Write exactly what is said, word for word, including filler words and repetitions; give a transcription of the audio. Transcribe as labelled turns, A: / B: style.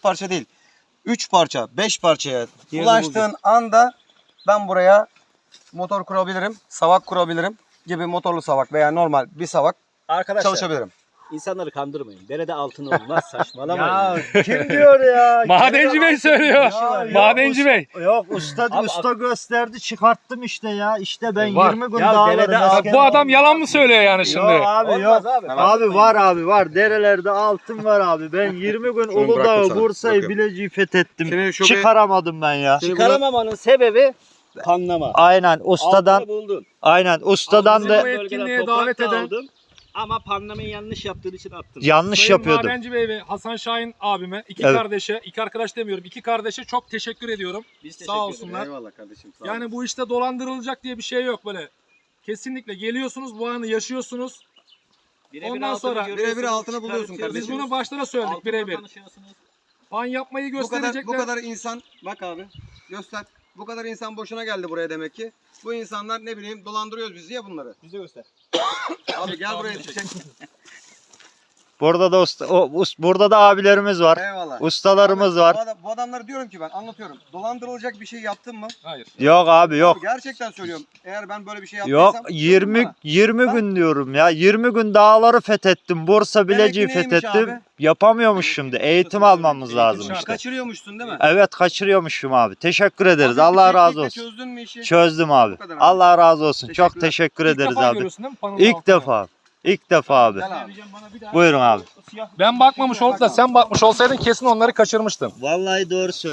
A: dört parça değil. üç parça, beş parçaya ulaştığın anda ben buraya motor kurabilirim, savak kurabilirim gibi motorlu savak veya normal bir savak
B: Arkadaşlar
A: çalışabilirim.
B: insanları kandırmayın. Derede altın olmaz, saçmalamayın.
C: Ya kim diyor ya?
D: Madenci Bey söylüyor.
C: Ya, yok,
D: Madenci Bey.
C: Yok usta
B: Abi,
C: usta gösterdi çıkarttım işte ya. İşte ben
D: Var.
C: yirmi gün
B: Ya
C: dağlarım.
B: derede
C: asker-
D: Bak, bu adam yalan mı söylüyor yani şimdi?
C: Yok abi
B: Olmaz
C: yok.
B: abi.
C: Abi, var abi var. Derelerde altın var abi. Ben yirmi gün
A: bıraktım
C: Uludağ'ı,
A: sana,
C: Bursa'yı,
A: bırakıyorum.
C: Bilecik'i fethettim.
A: Seni şu bir-
C: Çıkaramadım ben ya.
B: Çıkaramamanın sebebi panlama.
C: Aynen ustadan
B: Altını buldun.
C: aynen ustadan
D: Abi,
C: da
D: bu
B: Bölgeden
D: etkinliğe
B: toprak
D: davet
B: da
D: eden-
B: aldın. Ama panlamayı yanlış yaptığın için attın.
C: yanlış
D: Sayın
C: yapıyordum.
D: Madenci Bey ve Hasan Şahin abime, iki
C: Evet.
D: kardeşe, iki arkadaş demiyorum, iki kardeşe çok teşekkür ediyorum.
B: Biz teşekkür
D: Sağ
B: ederiz.
D: olsunlar.
A: Eyvallah kardeşim. Sağ
D: Yani bu işte dolandırılacak diye bir şey yok böyle. Kesinlikle geliyorsunuz, bu anı yaşıyorsunuz.
B: Birebir
D: Ondan
B: altını
D: sonra-
B: görüyorsunuz,
A: birebir altını buluyorsun
B: çıkartıyorsunuz.
D: Biz
A: kardeşim.
D: bunu başta da söyledik
B: Altınla
D: birebir.
B: tanışıyorsunuz.
D: Pan yapmayı
A: bu kadar
D: gösterecekler.
A: bu kadar insan bak abi göster. Bu kadar insan boşuna geldi buraya demek ki. Bu insanlar ne bileyim dolandırıyoruz biz ya bunları.
B: Bize göster.
A: Abi gel buraya çek.
C: Burada da usta, o, us- burada da abilerimiz var.
A: Eyvallah.
C: Ustalarımız
A: Abi,
C: var.
A: Bu, adam- bu adamlara diyorum ki ben anlatıyorum. Dolandırılacak bir şey yaptın mı?
D: Hayır.
C: Yok abi yok.
A: Abi gerçekten söylüyorum. Eğer ben böyle bir şey yaptıysam
C: Yok
A: söyle
C: yirmi
A: bana.
C: yirmi
A: Ha?
C: gün diyorum ya. yirmi gün dağları fethettim. Bursa Bilecik'i
A: Demek ki neymiş
C: fethettim.
A: abi?
C: Yapamıyormuş şimdi. Eğitim almamız
B: Eğitim
C: lazım
B: şart.
C: işte.
A: Kaçırıyormuşsun değil mi?
C: Evet kaçırıyormuşum abi. Teşekkür ederiz.
A: Abi,
C: Allah
A: bir
C: razı
A: teknikle
C: olsun.
A: Çözdün mü işi?
C: Çözdüm abi.
A: Bu kadar abi.
C: Allah razı olsun. Çok
A: Teşekkürler.
C: teşekkür
D: İlk
C: ederiz
D: defa
C: abi.
D: görüyorsun değil mi panın
C: İlk
D: altını?
C: defa. İlk defa abi.
A: Gel abi.
C: Buyurun abi.
D: Ben bakmamış olup da sen bakmış olsaydın kesin onları kaçırmıştın.
C: Vallahi doğru söylüyorsun.